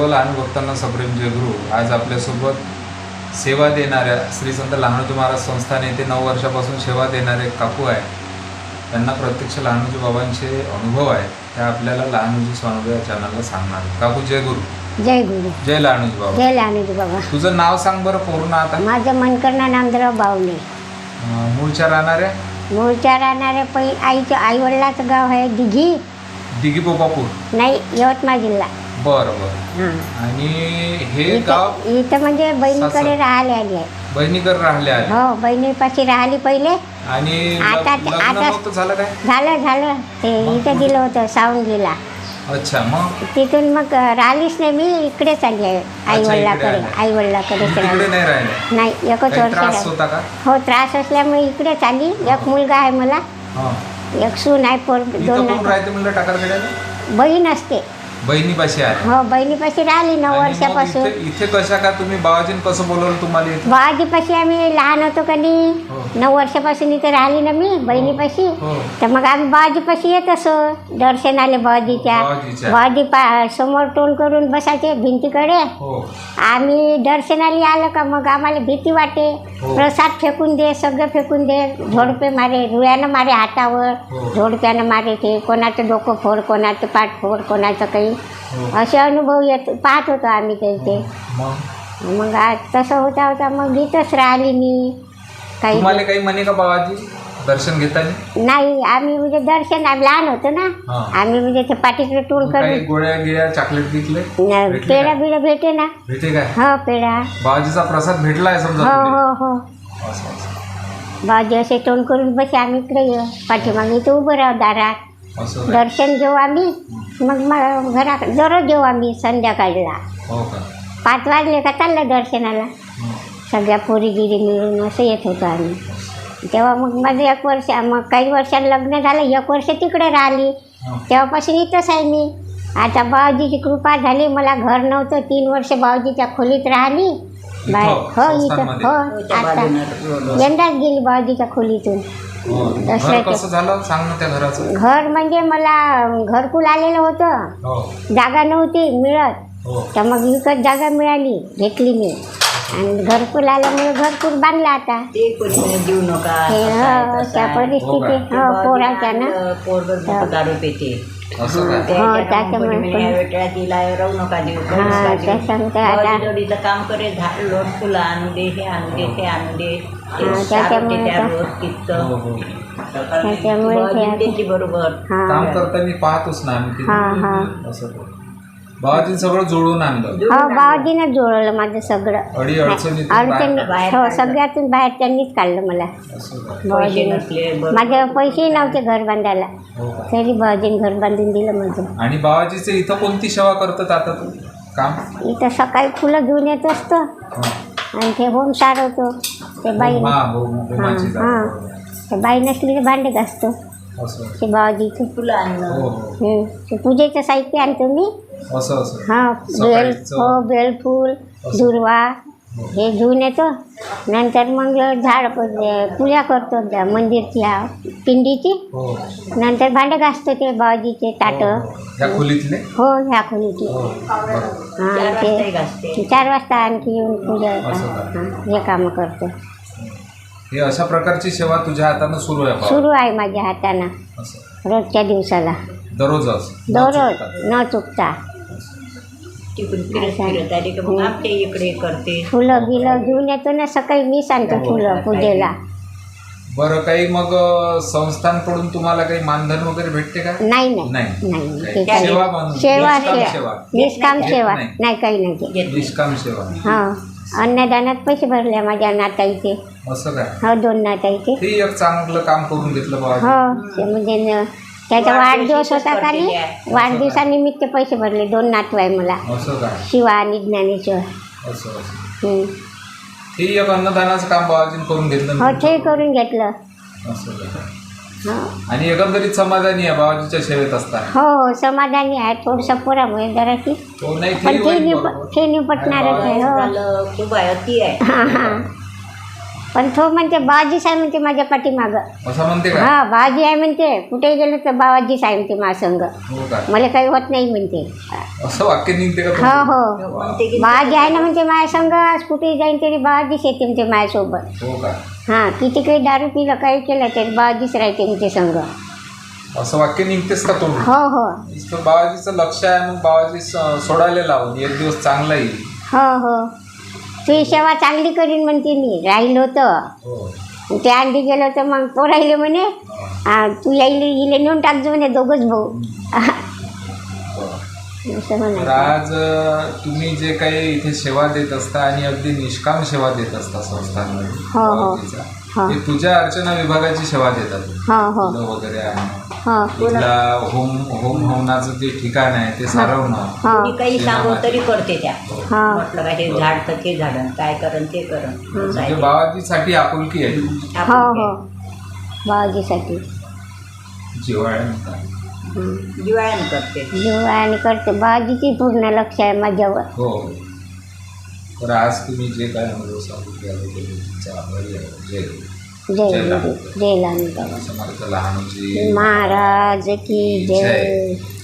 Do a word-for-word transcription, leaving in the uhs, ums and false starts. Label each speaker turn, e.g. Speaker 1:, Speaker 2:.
Speaker 1: लहान भक्तांना सप्रेम जय गुरु. आज आपल्यासोबत सेवा देणाऱ्या श्री संत लहानोजी महाराज संस्थान येथे नऊ वर्षापासून सेवा देणारे काकू आहे. त्यांना प्रत्यक्ष लहानोजी बाबांचे अनुभव आहे, त्या आपल्याला लहानोजी स्वानुभव या चॅनलला सांगणार. काकू जय गुरु.
Speaker 2: जय गुरु.
Speaker 1: जय लहानोजी बाबा.
Speaker 2: जय लहानोजी बाबा.
Speaker 1: तुझं नाव सांग बरं पूर्ण आता.
Speaker 2: माझं मनकर्णा नामदेवराव बावणे.
Speaker 1: मूळच्या राहणाऱ्या
Speaker 2: मूळच्या राहणाऱ्या पै आईचं आईवडिलाचं गाव आहे दिघी.
Speaker 1: दिघी पोपापूर.
Speaker 2: नाही, यवतमाळ जिल्हा.
Speaker 1: बरं बरं. आणि हे
Speaker 2: इथं
Speaker 1: गाव
Speaker 2: इथं म्हणजे बहिणीकडे राहिले आली आहे.
Speaker 1: बहिणीकडे राहिले आहे.
Speaker 2: हो, बहिणीपाशी राहिली पहिले.
Speaker 1: आणि
Speaker 2: आता
Speaker 1: लग्न
Speaker 2: आता
Speaker 1: नव्हतं झालं काय?
Speaker 2: झालं झालं ते इथं दिलं होतं सावंगीला.
Speaker 1: अच्छा, मग
Speaker 2: तिथून मग राहिलीच नाही, मी इकडेच आली आहे आईवडिलाकडे. आईवडिलाकडे
Speaker 1: तिकडे नाही राहिले?
Speaker 2: नाही, एकच
Speaker 1: काही
Speaker 2: वर्ष
Speaker 1: त्रास
Speaker 2: राहिली.
Speaker 1: होता का?
Speaker 2: हो, त्रास असल्यामुळे इकडेच आली. एक मुलगा आहे मला,
Speaker 1: हा.
Speaker 2: एक सून आहे, पोर
Speaker 1: इथं
Speaker 2: दोन
Speaker 1: कोण
Speaker 2: आहे.
Speaker 1: राहते म्हणलं टाकरखेड्याला?
Speaker 2: बहीण असते.
Speaker 1: बहिणीपाशी आहे.
Speaker 2: हो, बहिणीपाशी राहिली नऊ
Speaker 1: आणि मग
Speaker 2: वर्षापासून.
Speaker 1: इथे इथे कशा का तुम्ही बाबाजीन कसं बोलवलं तुम्हाला इथे?
Speaker 2: बाबाजीपाशी आम्ही लहान होतो कधी,
Speaker 1: हो.
Speaker 2: नऊ वर्षापासून इथे राहिली ना मी बहिणीपाशी.
Speaker 1: हो.
Speaker 2: तर मग आम्ही बाबाजीपाशी येत असो दर्शनाले. बाबाजीच्या
Speaker 1: बाबाजीच्या.
Speaker 2: बाबाजी पा समोर तोंड करून बसायचे भिंतीकडे.
Speaker 1: हो.
Speaker 2: आम्ही दर्शनाला आलं का मग आम्हाला भीती वाटे.
Speaker 1: हो.
Speaker 2: प्रसाद फेकून दे, सगळं फेकून दे. झोडपे मारे, रुळ्यानं मारे हातावर.
Speaker 1: हो.
Speaker 2: झोडप्यानं मारे ते. कोणाचं डोकं फोड, कोणाचं पाठ फोड, कोणाचं काही.
Speaker 1: हो.
Speaker 2: असे अनुभव येत पाहत होतो आम्ही ते.
Speaker 1: मग
Speaker 2: मग आज तसं होता होता मग इथंच राहिली मी. काही
Speaker 1: तुम्हाला काही म्हणे का बाबाजी दर्शन घेताना?
Speaker 2: नाही, आम्ही म्हणजे दर्शन आम्ही लहान होतो ना.
Speaker 1: हा.
Speaker 2: आम्ही म्हणजे ते पाठीकडे टोल
Speaker 1: काही
Speaker 2: करून
Speaker 1: गोळ्या गिळ्या चॉकलेट घेतले?
Speaker 2: न-
Speaker 1: भेटले
Speaker 2: पेढा
Speaker 1: का?
Speaker 2: बिडा भेटे ना.
Speaker 1: भेटे काय?
Speaker 2: हो, पेढा.
Speaker 1: बाबाजीचा प्रसाद भेटला आहे समजा
Speaker 2: हो
Speaker 1: तुला?
Speaker 2: हो हो.
Speaker 1: असं असं.
Speaker 2: बाजी असे तोंड करून बसे, आम्ही इकडे येऊ पाठीमागे इथं उभं राहू दारात.
Speaker 1: असं काय?
Speaker 2: दर्शन घेऊ आम्ही. मग मग घरात दररोज घेऊ आम्ही संध्याकाळला.
Speaker 1: हो का?
Speaker 2: पाच वाजले का चाललं दर्शनाला.
Speaker 1: हं.
Speaker 2: सगळ्या पोरीगिरी मिळून असं येत होतं आम्ही. तेव्हा मग माझं एक वर्ष, मग काही वर्षांनी लग्न झालं, एक वर्ष तिकडे राहिली.
Speaker 1: हं.
Speaker 2: तेव्हापासून इथंच आहे मी. आता बाबाजीची कृपा झाली, मला घर नव्हतं, तीन वर्ष बाबाजीच्या खोलीत राहिली. बाहेर हो इथं
Speaker 1: संस्थानमध्ये?
Speaker 2: हो. आता यंदाच गेली बाबाजीच्या खोलीतून.
Speaker 1: हो. घर
Speaker 2: दसऱ्याच्या-
Speaker 1: कसं झालं सांग ना त्या घराचं.
Speaker 2: घर म्हणजे मला घरकुल आलेलं होतं,
Speaker 1: हो
Speaker 2: जागा नव्हती मिळत.
Speaker 1: हो.
Speaker 2: तर मग विकत जागा मिळाली, घेतली मी. आणि घरकुल आल्यामुळे घरकुल बांधलं आता.
Speaker 3: ते कोणी देऊ नका
Speaker 2: हे
Speaker 3: असं आहे,
Speaker 2: हो,
Speaker 3: तसं
Speaker 2: त्या
Speaker 3: आहे.
Speaker 2: परिस्थिती हो पोराच्या ना.
Speaker 3: पोरगं दारू पेते.
Speaker 1: असं काय?
Speaker 2: हो, त्याच्यामुळे पण-
Speaker 3: वेगळ्या तिला राहू नका देऊ.
Speaker 2: हा, त्या सांगते आता.
Speaker 3: जोडीचं काम करे, झाड लोट फुलं आणू दे, हे आणू दे, ते आणू दे. ते
Speaker 2: हा,
Speaker 3: सारं
Speaker 2: त्याच्यामुळे
Speaker 3: ते त्या
Speaker 2: तर-
Speaker 3: रोज
Speaker 1: हो
Speaker 3: तिथं.
Speaker 1: हो.
Speaker 2: त्याच्यामुळे ते
Speaker 3: बाबाजी
Speaker 2: आता-
Speaker 3: त्यांची बरोबर.
Speaker 2: हा
Speaker 1: काम करताना पाहतोच ना आम्ही
Speaker 2: हा हा.
Speaker 1: ते. असं करू. बाबाजीने सगळं जुळवून आणलं.
Speaker 2: हो, बाबाजीनं जुळवलं माझं सगळं.
Speaker 1: अडी अडचणीतून
Speaker 2: अडचणी
Speaker 3: बाहेर
Speaker 2: हो,
Speaker 3: काढलं.
Speaker 2: सगळ्यातून बाहेर त्यांनीच काढलं मला.
Speaker 1: असं काय?
Speaker 3: पैसे
Speaker 2: बाबाजीनं.
Speaker 3: नसले बरोबर.
Speaker 2: माझ्या पैसेही नव्हते घर बांधायला,
Speaker 1: हो का?
Speaker 2: तरी बाबाजीने घर बांधून दिलं माझं.
Speaker 1: आणि बाबाजीचे इथं कोणती सेवा करतात आता तू काम?
Speaker 2: इथं सकाळी फुलं घेऊन येत असतो
Speaker 1: हा.
Speaker 2: आणि ते होम सारवतो. ते बाई
Speaker 1: हा हो
Speaker 2: हां
Speaker 1: होमाची जागा.
Speaker 2: हां, ते बाई नसली तर भांडे घासतो.
Speaker 1: असं
Speaker 2: ते बाबाजीचं.
Speaker 3: फुलं आणणं.
Speaker 1: हो हो.
Speaker 2: हं. ते पूजेचं साहित्य आणतो मी.
Speaker 1: असं असं.
Speaker 2: हां, बेल
Speaker 1: सकाळीचं.
Speaker 2: हो, बेलफूल, दुर्वा हे घेऊन येतो. नंतर मग झाड पूजा करतो त्या मंदिरच्या पिंडीची.
Speaker 1: हो
Speaker 2: नंतर भांडे घासतो ते बाबाजीचे ताटं.
Speaker 1: या खोलीतले.
Speaker 2: हो, ह्या खोलीची.
Speaker 1: हो बरं.
Speaker 2: हां,
Speaker 3: चार वाजताही
Speaker 2: ते
Speaker 3: घासते.
Speaker 2: चार वाजता आणखी येऊन पूजा
Speaker 1: असं का?
Speaker 2: हां, हे कामं करतो.
Speaker 1: हे अशा प्रकारची सेवा तुझ्या हातानं सुरू आहे बाबा.
Speaker 2: सुरू आहे माझ्या हातानं
Speaker 1: असं
Speaker 2: रोजच्या दिवसाला.
Speaker 1: दररोजच न
Speaker 2: दररोज
Speaker 1: चुकता.
Speaker 2: न चुकता.
Speaker 3: तिकडून फिरत फिरत आली की मग आमच्या इकडे करते.
Speaker 2: फुलं बिलं घेऊन येतो ना सकाळी, मी सांगतो फुलं पूजेला.
Speaker 1: बरं, काही मग अ, संस्थांकडून तुम्हाला काही मानधन वगैरे भेटते का?
Speaker 2: नाही नाही
Speaker 1: नाही.
Speaker 2: नाही,
Speaker 1: काही
Speaker 2: ते काही
Speaker 1: सेवा म्हणून.
Speaker 2: सेवा
Speaker 1: निष्काम
Speaker 2: सेवा
Speaker 1: सेवा.
Speaker 2: निष्काम
Speaker 1: घेत
Speaker 2: सेवा
Speaker 1: नाही.
Speaker 2: नाही, काही नाही ते.
Speaker 3: घेत
Speaker 1: निष्काम सेवा.
Speaker 2: हो, अन्नदानात पैसे भरले माझ्या नाताईचे.
Speaker 1: असं काय?
Speaker 2: हो, दोन नाताईचे.
Speaker 1: ते एक चांगलं काम करून घेतलं बाबा.
Speaker 2: हो, ते म्हणजे न- त्याचा वाढदिवस होता का नाही, वाढदिवसानिमित्त पैसे भरले. दोन नातू आहे मला,
Speaker 1: असं काय?
Speaker 2: शिवा आणि ज्ञानेश्वर.
Speaker 1: असं असं.
Speaker 2: हं.
Speaker 1: ते एक अन्नदानाचं काम बाबाजीने करून घेतलं
Speaker 2: हो,
Speaker 1: ना.
Speaker 2: ते करून घेतलं.
Speaker 1: असं काय?
Speaker 2: हो
Speaker 1: आणि एकंदरीत समाधानी आहे बाबाजीच्या सेवेत असताना.
Speaker 2: हो हो, समाधानी आहे. थोडंसं पोरामुळे जराशी,
Speaker 1: तो नाही
Speaker 2: पण
Speaker 1: ते
Speaker 2: ते
Speaker 1: होईल
Speaker 2: निप
Speaker 1: बरोबर.
Speaker 2: ते निपटणारच आहे. हो
Speaker 3: झालं खूप आहे, अति आहे.
Speaker 2: हां हां. पण तो म्हणते बाबाजीच आहे म्हणते माझ्या पाठीमागं.
Speaker 1: असं म्हणते का?
Speaker 2: हा बाबाजी आहे म्हणते, कुठे गेलो तर बाबाजीच आहे म्हणते माझ्या संग,
Speaker 1: हो का?
Speaker 2: मला काही होत नाही म्हणते.
Speaker 1: असं वाक्य निघते का
Speaker 2: हो
Speaker 1: तुमचं?
Speaker 2: हो
Speaker 3: म्हणते की
Speaker 2: बाबाजी आहे ना म्हणते माझ्या संग, आज कुठे जाईन तरी बाबाजीच येते म्हणते माझ्यासोबत.
Speaker 1: हो का?
Speaker 2: हां किती काही दारू पिलं काही केलं तरी बाबाजीच राहते म्हणते संग.
Speaker 1: असं वाक्य निघतेस का तुम्ही?
Speaker 2: हो हो
Speaker 1: नुसतं बाबाजीचं लक्ष आहे, मग बाबाजी स- सोडायला लावून एक दिवस चांगला येईल.
Speaker 2: हो हो तुझी सेवा चांगली करीन म्हणते मी, राहिलो तर.
Speaker 1: हो.
Speaker 2: ते अंडी गेलो तर मग तो राहिले म्हणे, हा, तू यायले इले नेऊन टाकजो म्हणे दोघंच भाऊ. असं
Speaker 1: तर
Speaker 2: म्हणा.
Speaker 1: आज अ, तुम्ही जे काही इथे सेवा देत असता आणि अगदी निष्काम सेवा देत असता संस्थांमध्ये
Speaker 2: हो, हो.
Speaker 1: बाबाजीचा,
Speaker 2: हो.
Speaker 1: ते तुझ्या अर्चना विभागाची सेवा देतात.
Speaker 2: हो हो
Speaker 1: फुलं वगैरे आणणं,
Speaker 2: हो
Speaker 1: इथला होम होम हवनाचं जे ठिकाण आहे ते सारवणं.
Speaker 2: हो
Speaker 3: कोणी काही सांगू तरी करते त्या.
Speaker 2: हा
Speaker 3: म्हटलं का हे झाड तर ते झाडन काय करण ते करण असं
Speaker 1: म्हणजे
Speaker 3: आहे.
Speaker 1: बाबाजीसाठी आपुलकी आहे,
Speaker 3: आपण
Speaker 2: हो
Speaker 3: काय
Speaker 2: हो बाबाजीसाठी
Speaker 1: जिव्हाळ्यानं.
Speaker 2: हं.
Speaker 3: जिवाळ्यानं करते.
Speaker 2: जीवाने करते, बाबाजीची पूर्ण लक्ष आहे माझ्यावर.
Speaker 1: हो. तर आज तुम्ही जे काय अनुभव सांगितले आहे ते तुमचा आभारी आहे. जय
Speaker 2: जय
Speaker 1: जय
Speaker 2: गुरु जय लहानूजी
Speaker 1: समर्थ लहानूजी
Speaker 2: महाराज की जय.
Speaker 1: जय.